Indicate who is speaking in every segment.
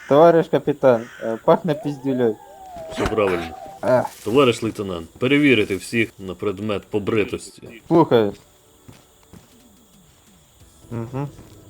Speaker 1: Товариш капітан, пахне піздюлей.
Speaker 2: Все правильно. Товариш лейтенант, перевірити всіх на предмет побритості.
Speaker 1: Слухаю. Угу.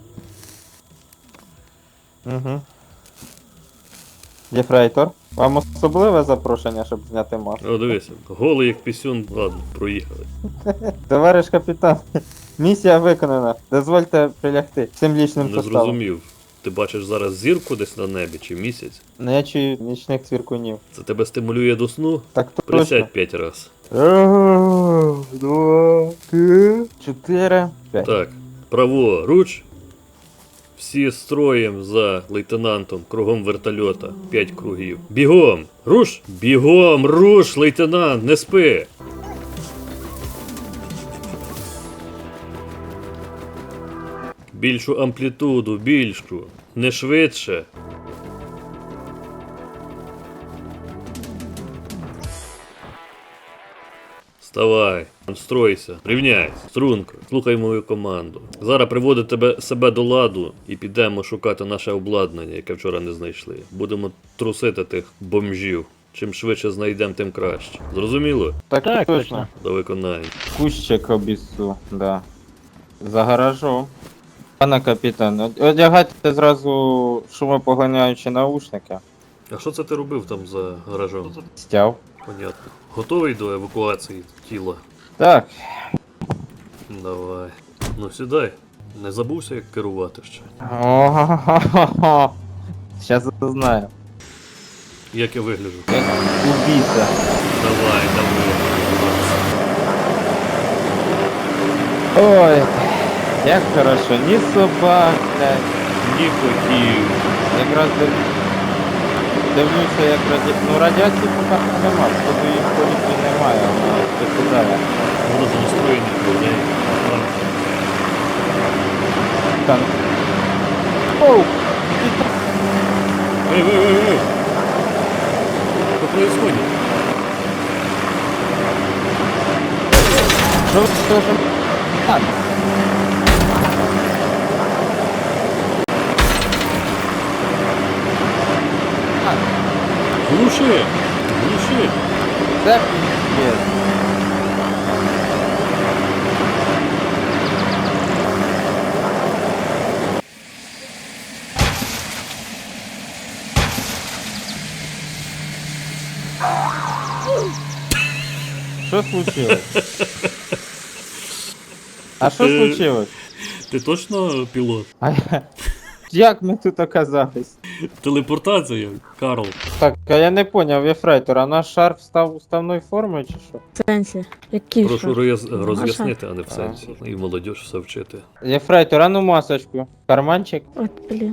Speaker 1: Угу. Єфрейтор, вам особливе запрошення, щоб зняти маску?
Speaker 2: О, дивися, голий як пісюн, ладно, проїхали.
Speaker 1: Товариш капітан, місія виконана. Дозвольте прилягти всім лічним
Speaker 2: Не
Speaker 1: составом.
Speaker 2: зрозумів. Ти бачиш зараз зірку десь на небі чи місяць?
Speaker 1: Ну я чую нічних цвіркунів.
Speaker 2: Це тебе стимулює до сну?
Speaker 1: Так точно.
Speaker 2: Присядь 5 раз.
Speaker 1: Раз, два, три, 4, 5.
Speaker 2: Так, праворуч. Всі строєм за лейтенантом, кругом вертольота. 5 кругів. Бігом! Руш! Бігом! Руш, лейтенант! Не спи! Більшу амплітуду, більшу. Не швидше. Вставай, стройся, рівняйся, струнко, слухай мою команду. Зараз приводить себе до ладу і підемо шукати наше обладнання, яке вчора не знайшли. Будемо трусити тих бомжів. Чим швидше знайдемо, тим краще. Зрозуміло?
Speaker 1: Так точно.
Speaker 2: До виконання.
Speaker 1: Кущик обіссу, да. За гаражом. Пане капітан, одягайте зразу шумопоганяючі наушники.
Speaker 2: А що це ти робив там за гаражом?
Speaker 1: Стяв.
Speaker 2: Понятно. Готовий до евакуації тіла?
Speaker 1: Так.
Speaker 2: Давай. Ну сідай. Не забувся, як керувати ще.
Speaker 1: О-хо-хо-хо. Щас знаю.
Speaker 2: Як я вигляджу?
Speaker 1: Як убійця.
Speaker 2: Давай, давай.
Speaker 1: Ой, як хорошо, ні собак, блядь, ні котів. Якраз дивлюся, як радіації поки нема, походу їх в поліції немає, вона підсідає.
Speaker 2: Воно за настроєння людей.
Speaker 1: Там. Оу!
Speaker 2: Эй! Что происходит?
Speaker 1: Що ж? Так.
Speaker 2: Глуши! Глуши!
Speaker 1: Це піздець. Що случилось? А що случилось?
Speaker 2: Ти точно пілот?
Speaker 1: А як ми тут оказались?
Speaker 2: Телепортація, Карл.
Speaker 1: Так, а я не поняв, Єфрейтор, а наш шарф став уставною формою чи що?
Speaker 3: В сенсі? Який
Speaker 2: Прошу
Speaker 3: що?
Speaker 2: роз'яснити, а не в сенсі. І молодь все вчити.
Speaker 1: Єфрейтор, а ну масочку. Карманчик.
Speaker 3: От, блін.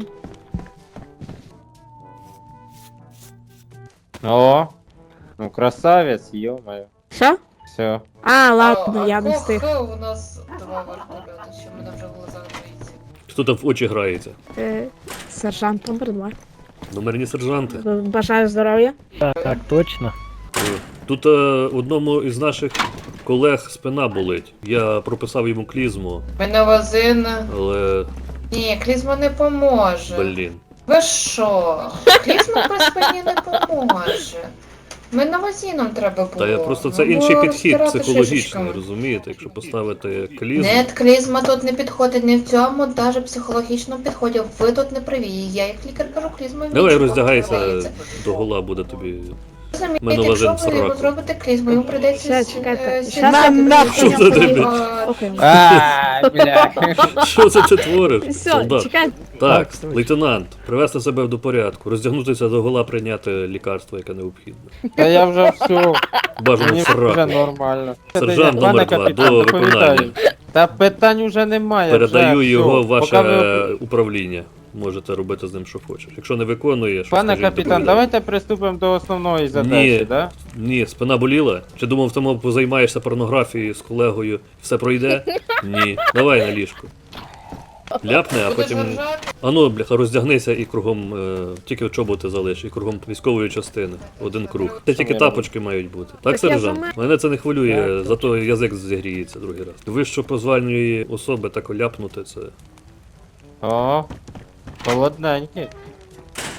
Speaker 1: О! Ну красавець, ё-моё.
Speaker 3: Що?
Speaker 1: Все.
Speaker 3: А, ладно, я не встиг.
Speaker 4: У нас два вертольоти, що мене вже було заграється.
Speaker 2: Хто там в очі грається?
Speaker 3: Сержант номер 2.
Speaker 2: Номерні сержанти.
Speaker 3: Бажаю здоров'я.
Speaker 5: Так, точно.
Speaker 2: Тут одному із наших колег спина болить. Я прописав йому клізму,
Speaker 4: Меновазин.
Speaker 2: але
Speaker 4: Ні, клізма не поможе.
Speaker 2: блін.
Speaker 4: Ви що? Клізма при спині не поможе. Меновазином треба було.
Speaker 2: Та я просто це
Speaker 4: Ну,
Speaker 2: інший підхід
Speaker 4: розтирати
Speaker 2: психологічний,
Speaker 4: шишечками.
Speaker 2: розумієте? Якщо поставити клізму.
Speaker 4: Нет, клізма тут не підходить, ні в цьому, навіть психологічному підході. Ви тут не праві. Я як лікар кажу, клізма
Speaker 2: Давай
Speaker 4: нічого
Speaker 2: роздягайся
Speaker 4: відбувається.
Speaker 2: до гола, буде тобі.
Speaker 4: Розумієте,
Speaker 2: Меновазин
Speaker 4: якщо ви
Speaker 2: сраку.
Speaker 4: зробите клізму, йому прийдеться
Speaker 3: Все, чекайте.
Speaker 4: сідати.
Speaker 2: Що це тобі?
Speaker 3: Окей.
Speaker 1: А, бля.
Speaker 2: Що це ти твориш?
Speaker 3: Все,
Speaker 2: Солдат.
Speaker 3: чекай.
Speaker 2: Так,
Speaker 5: Так,
Speaker 2: лейтенант, привести себе до порядку, роздягнутися до гола, прийняти лікарство, яке необхідне.
Speaker 1: Та я вже все.
Speaker 2: Бажано
Speaker 1: Мені
Speaker 2: в
Speaker 1: вже
Speaker 2: сраку.
Speaker 1: нормально.
Speaker 2: Сержант
Speaker 1: Пане
Speaker 2: номер 2,
Speaker 1: капітан,
Speaker 2: до
Speaker 1: доповідаю.
Speaker 2: виконання.
Speaker 1: Та питань уже немає.
Speaker 2: Передаю
Speaker 1: вже,
Speaker 2: його в
Speaker 1: всьо.
Speaker 2: ваше
Speaker 1: Поки ви-
Speaker 2: управління. Можете робити з ним, що хочеш. Якщо не виконуєш,
Speaker 1: Пане
Speaker 2: скажіть,
Speaker 1: капітан,
Speaker 2: доповідаю.
Speaker 1: давайте приступимо до основної задачі,
Speaker 2: Ні.
Speaker 1: да?
Speaker 2: Ні, спина боліла? Чи думав, тому позаймаєшся порнографією з колегою, все пройде? Ні. Давай на ліжку. Ляпне, а
Speaker 4: Будеш
Speaker 2: потім.
Speaker 4: ржати?
Speaker 2: Ану, бляха, роздягнися і кругом, тільки чоботи залиш, і кругом військової частини. Один круг. Це тільки тапочки мають бути. Так,
Speaker 3: Так я
Speaker 2: сержант?
Speaker 3: сама-
Speaker 2: Мене це не хвилює, зато язик зігріється другий раз. Вищо позвальної особи так ляпнути це.
Speaker 1: О, холодненький.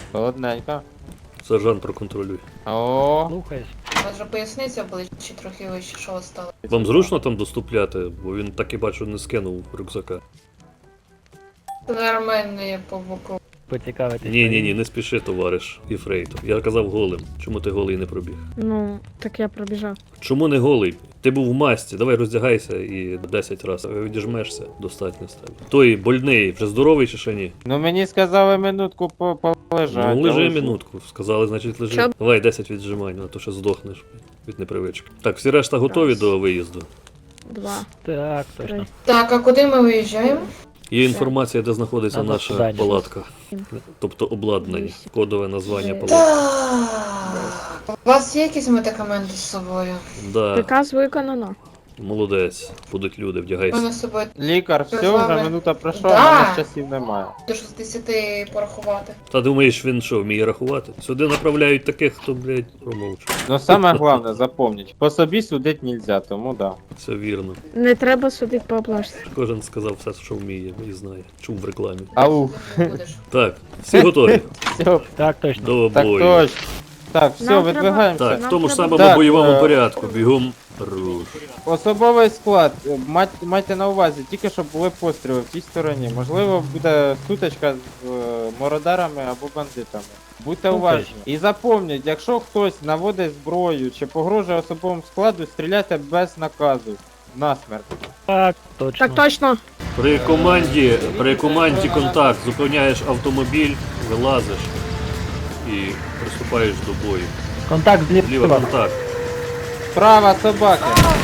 Speaker 1: Холодненько.
Speaker 2: Сержант, проконтролюй.
Speaker 1: О,
Speaker 5: Слухаюсь.
Speaker 4: Може поясниця обличчя трохи вище, що стало.
Speaker 2: Вам зручно там доступляти, бо він так і бачу не скинув рюкзака.
Speaker 4: Нормально є по боку.
Speaker 5: Поцікавитись.
Speaker 2: Ні, не спіши, товариш Єфрейтор. Я казав голим. Чому ти голий не пробіг?
Speaker 3: Ну, так я пробіжав.
Speaker 2: Чому не голий? Ти був в масці, давай роздягайся і 10 разів відіжмешся, достатньо з тебе. Той больний, вже здоровий чи ще ні?
Speaker 1: ну мені сказали минутку полежати.
Speaker 2: Ну лежи
Speaker 1: я лежу.
Speaker 2: минутку, сказали, значить лежи.
Speaker 3: Що?
Speaker 2: Давай 10 віджимань, а то ще здохнеш від непривички. Так, всі решта готові
Speaker 3: Раз.
Speaker 2: до виїзду.
Speaker 3: 2,
Speaker 5: Так, точно.
Speaker 3: 3.
Speaker 4: Так, а куди ми виїжджаємо?
Speaker 2: Є інформація, де знаходиться
Speaker 5: Надо
Speaker 2: наша
Speaker 5: задання.
Speaker 2: палатка, тобто обладнання, кодове названня
Speaker 3: Дев'ять.
Speaker 2: палатки.
Speaker 4: Так. У вас є якісь медикаменти з собою?
Speaker 2: Да,
Speaker 3: Приказ виконано.
Speaker 2: молодець, будуть люди,
Speaker 4: У
Speaker 2: вдягайся.
Speaker 4: мене з собою
Speaker 1: Лікар,
Speaker 4: Що
Speaker 1: все,
Speaker 4: з вами?
Speaker 1: вже минута пройшла,
Speaker 4: Да.
Speaker 1: а в мене часів немає.
Speaker 4: до 60 порахувати.
Speaker 2: Та думаєш, він що, вміє рахувати? Сюди направляють таких, хто, блядь, промовчує.
Speaker 1: Но саме головне, запомніть, по собі судити нельзя, тому да.
Speaker 2: Це вірно.
Speaker 3: Не треба судити по облажці.
Speaker 2: Кожен сказав все, що вміє і знає. Чув в рекламі.
Speaker 1: Ау,
Speaker 4: Не будеш.
Speaker 2: Так, всі готові
Speaker 1: все,
Speaker 5: Так, точно.
Speaker 2: до
Speaker 1: так
Speaker 2: бою.
Speaker 1: точно. Так, все,
Speaker 3: Нам треба-
Speaker 1: видвигаємося.
Speaker 2: Так, в
Speaker 3: Нам
Speaker 2: тому ж
Speaker 3: треба-
Speaker 2: самому
Speaker 1: Так,
Speaker 2: бойовому порядку. Бігом руш.
Speaker 1: Особовий склад, майте на увазі, тільки щоб були постріли в тій стороні. Можливо, буде сутичка з мородарами або бандитами. Будьте уважні. І запам'ятайте, якщо хтось наводить зброю чи погрожує особовому складу, стріляйте без наказу. Насмерть.
Speaker 5: Так, точно.
Speaker 3: Так точно.
Speaker 2: При команді контакт зупиняєш автомобіль, вилазиш і приступаєш до бою.
Speaker 5: Контакт
Speaker 2: Зліва
Speaker 5: зліва.
Speaker 2: контакт.
Speaker 1: Права собаки.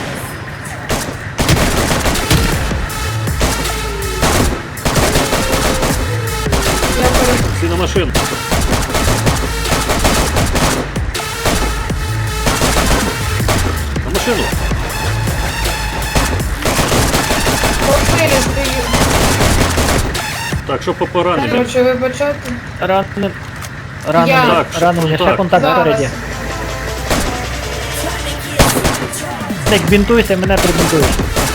Speaker 2: Всі на машину. На машину.
Speaker 4: Попилі стою.
Speaker 2: Так, що по пораненням?
Speaker 4: Короче, вибачайте.
Speaker 5: Ранений.
Speaker 4: Я.
Speaker 5: Ранений, ще контакт
Speaker 4: Зараз.
Speaker 5: спереді. Ник, бінтуйся, мене прибінтуєш.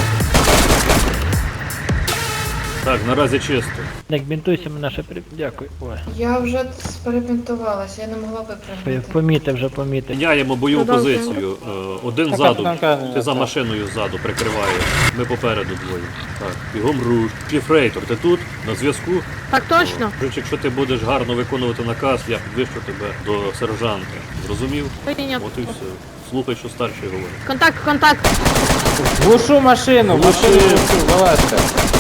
Speaker 2: Так, наразі чисто.
Speaker 5: Ник, бінтуйся, мене ще Дякую. Ой.
Speaker 4: Я вже перебінтувалася, я не могла випрямити.
Speaker 5: Помітив, вже помітив.
Speaker 2: Міняємо бойову
Speaker 3: Продовжуємо.
Speaker 2: позицію. Один
Speaker 1: Так,
Speaker 2: ззаду.
Speaker 1: так.
Speaker 2: Ти за машиною ззаду прикриваєш. Ми попереду двоє. Так, бігом руш. Єфрейтор, ти тут? На зв'язку?
Speaker 3: Так точно.
Speaker 2: Рич, якщо ти будеш гарно виконувати наказ, я підвищу тебе до сержанта. Зрозумів?
Speaker 3: Прийняв.
Speaker 2: От і все. Слухай, що старший говорить.
Speaker 3: Контакт, контакт.
Speaker 1: Глушу машину, машину глушу, вилазьте.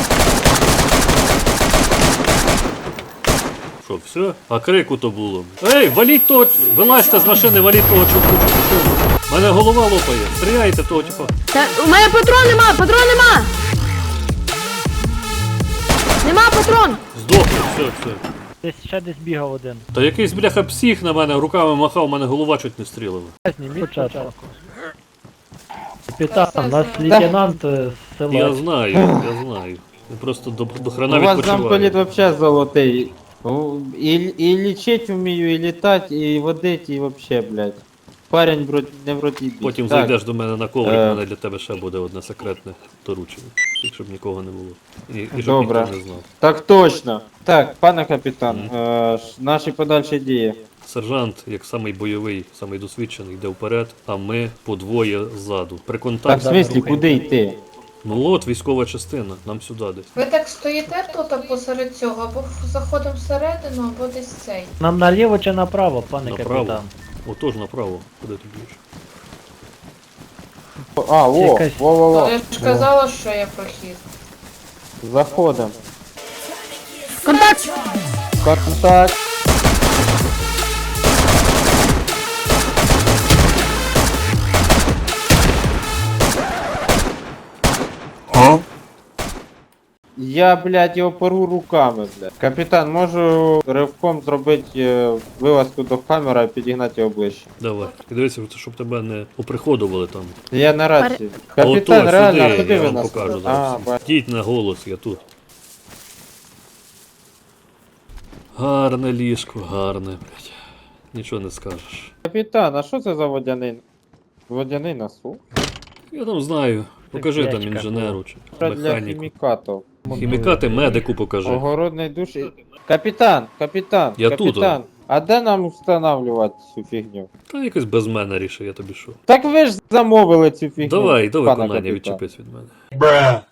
Speaker 2: Що, все? А крику то було. Ей, валіть того! Вилазьте з машини, валіть того чуваку. Мене голова лопає. Стріляйте того, типа.
Speaker 3: Та, у мене патрон нема, патрон нема. Нема патрон.
Speaker 2: Здохли, все.
Speaker 5: Десь бігав один.
Speaker 2: Та якийсь бляха псих на мене руками махав, мене голова чуть не стрілила.
Speaker 5: Зніміть початку. Капітан, у нас лейтенант з
Speaker 2: Я
Speaker 5: села.
Speaker 2: знаю. Я просто до хрена
Speaker 1: У вас
Speaker 2: відпочиваю.
Speaker 1: замполіт вообще золотий. І лічить вмію, і літать, і водить, і вообще, блядь. Парень не в роті бій.
Speaker 2: Потім
Speaker 1: Так,
Speaker 2: зайдеш до мене на коврик,
Speaker 1: Е.
Speaker 2: у мене для тебе ще буде одне секретне доручення. Тільки щоб нікого не було. І щоб
Speaker 1: Добре.
Speaker 2: ніхто не знав.
Speaker 1: Так точно. Так, пане капітан, наші подальші дії.
Speaker 2: Сержант, як самий бойовий, самий досвідчений, йде вперед, а ми по двоє ззаду. При
Speaker 1: Так, в
Speaker 2: контакті.
Speaker 1: смислі, куди йти?
Speaker 2: Ну от військова частина, нам сюди десь.
Speaker 4: Ви так стоїте тут або посеред цього, або заходимо всередину, або десь цей.
Speaker 5: Нам наліво чи направо, пане
Speaker 2: Направо.
Speaker 5: капітан?
Speaker 2: Отож направо. Куди ти б'єш?
Speaker 1: А, о,
Speaker 5: Якась-
Speaker 1: во-во-во.
Speaker 4: Я ж казала, що є прохід.
Speaker 1: Заходимо.
Speaker 3: Контакт.
Speaker 1: Контакт. Я, блядь, його пору руками, блядь. Капітан, можу ривком зробити вилазку до камери і підігнати його ближче.
Speaker 2: Давай. І дивися, щоб тебе не оприходували там.
Speaker 1: Я на рації.
Speaker 2: А
Speaker 1: Капітан,
Speaker 2: ото
Speaker 1: реально, а
Speaker 2: сюди,
Speaker 1: куди
Speaker 2: я
Speaker 1: ви
Speaker 2: вам
Speaker 1: нас?
Speaker 2: покажу
Speaker 1: А,
Speaker 2: зараз.
Speaker 1: бачу.
Speaker 2: Йдіть на голос, я тут. Гарне ліжко, гарне, блядь. Нічого не скажеш.
Speaker 1: Капітан, а що це за водяний? Водяний насув?
Speaker 2: Я там знаю. Покажи там
Speaker 5: Печка.
Speaker 2: інженеру чи
Speaker 1: Для
Speaker 2: механіку.
Speaker 1: хімікатів.
Speaker 2: Хімікати медику покажи.
Speaker 1: Огородний душ. Капітан, капітан,
Speaker 2: Я тут,
Speaker 1: капітан. А де нам встановлювати цю фігню?
Speaker 2: Та якось без мене рішив, я тобі що.
Speaker 1: Так ви ж замовили цю фігню.
Speaker 2: Давай, до
Speaker 1: пане
Speaker 2: виконання
Speaker 1: капітан.
Speaker 2: відчепись від мене.